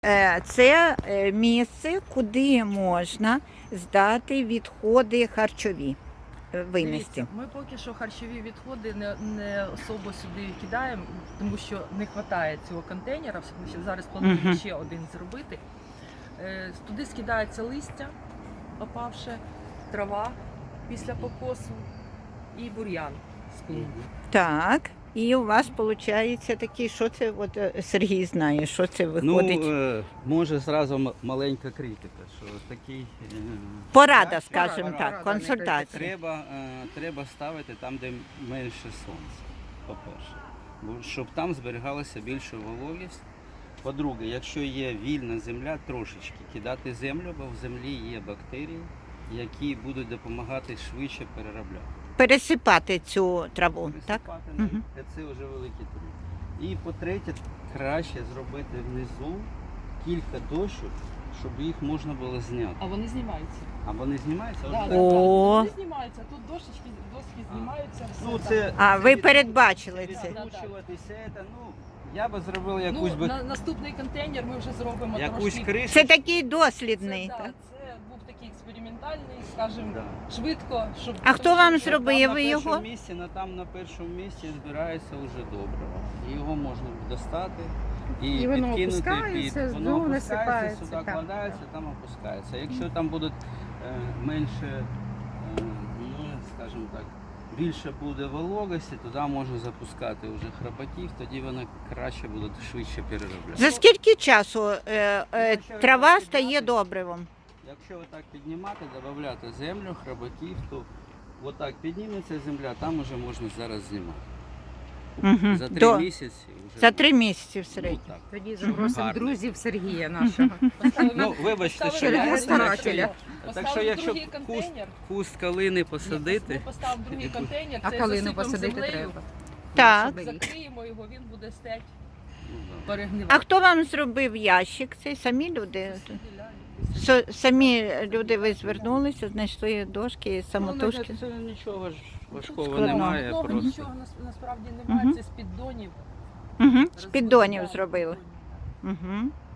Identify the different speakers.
Speaker 1: Це місце, куди можна здати відходи харчові, винести.
Speaker 2: Дивіться, ми поки що харчові відходи не особо сюди кидаємо, тому що не вистачає цього контейнера. Ми ще зараз плануємо ще один зробити. Туди скидається листя, опавше, трава після покосу і бур'ян з клумби.
Speaker 1: Так, і у вас виходить такий, що це, от Сергій знає, що це виходить?
Speaker 3: Ну, може зразу маленька критика, що такий...
Speaker 1: Порада, скажімо так, консультація.
Speaker 3: Треба ставити там, де менше сонця, по-перше, щоб там зберігалася більша вологість. По-друге, якщо є вільна земля, трошечки кидати землю, бо в землі є бактерії, які будуть допомагати швидше переробляти.
Speaker 1: Пересипати цю траву, так?
Speaker 3: Це вже великий труд. І по-третє, краще зробити внизу кілька дощок, щоб їх можна було зняти.
Speaker 2: А вони знімаються.
Speaker 3: А вони знімаються?
Speaker 2: Да,
Speaker 3: Ось
Speaker 1: О.
Speaker 2: вони знімаються, тут доски знімаються.
Speaker 3: Ну,
Speaker 2: все
Speaker 3: це,
Speaker 2: так.
Speaker 1: А, ви передбачили це?
Speaker 3: Відкручуватися, я би зробив якусь би
Speaker 2: Наступний контейнер ми вже зробимо
Speaker 3: якусь
Speaker 2: трошки.
Speaker 3: кришу.
Speaker 1: Це такий дослідний,
Speaker 2: Це,
Speaker 1: так?
Speaker 2: це був такий експериментальний, скажімо,
Speaker 3: Да.
Speaker 2: швидко, щоб...
Speaker 1: А хто вам
Speaker 3: Там
Speaker 1: зробив
Speaker 3: на
Speaker 1: ви його?
Speaker 3: першому місці, там на першому місці збирається вже добре. І його можна достати і
Speaker 4: воно
Speaker 3: підкинути
Speaker 4: опускається,
Speaker 3: воно
Speaker 4: знову
Speaker 3: опускається,
Speaker 4: насипається,
Speaker 3: сюди
Speaker 4: так.
Speaker 3: кладається, там опускається. Якщо там будуть менше, ну скажімо так, більше буде вологості, туди можна запускати вже храбаків, тоді вона краще буде швидше переробляти.
Speaker 1: За скільки часу трава стає добривом?
Speaker 3: Якщо отак піднімати, додати землю, храбаків, то отак підніметься земля, там вже можна зараз знімати.
Speaker 1: Мгм.
Speaker 3: За 3 місяці вже.
Speaker 1: За 3 місяці в
Speaker 3: Ну,
Speaker 1: середньому.
Speaker 3: так.
Speaker 4: Тоді запросимо
Speaker 3: Гарний.
Speaker 4: друзів Сергія нашого.
Speaker 3: Ну, вибачте, що
Speaker 4: Поставили
Speaker 3: я
Speaker 4: старателя.
Speaker 3: Так що якщо
Speaker 2: другий контейнер,
Speaker 3: куст калини
Speaker 2: ми
Speaker 3: посадити,
Speaker 2: поставимо другий контейнер,
Speaker 4: А
Speaker 2: це
Speaker 4: калину
Speaker 2: засипемо
Speaker 4: посадити
Speaker 2: землею,
Speaker 4: треба.
Speaker 1: Так.
Speaker 2: закриємо його, він буде стеть,
Speaker 3: ну, да.
Speaker 2: перегнивати.
Speaker 1: А хто вам зробив ящик? Це самі люди? Самі люди ви звернулися, знайшли дошки, самотужки?
Speaker 3: Ну, це нічого ж важкого
Speaker 1: Складного.
Speaker 3: немає.
Speaker 2: Ну,
Speaker 3: Просто.
Speaker 2: нічого насправді немає,
Speaker 1: Мгм.
Speaker 2: це з піддонів.
Speaker 1: Угу. З піддонів
Speaker 2: Розбудували
Speaker 1: зробили.
Speaker 2: піддонів.
Speaker 1: Угу.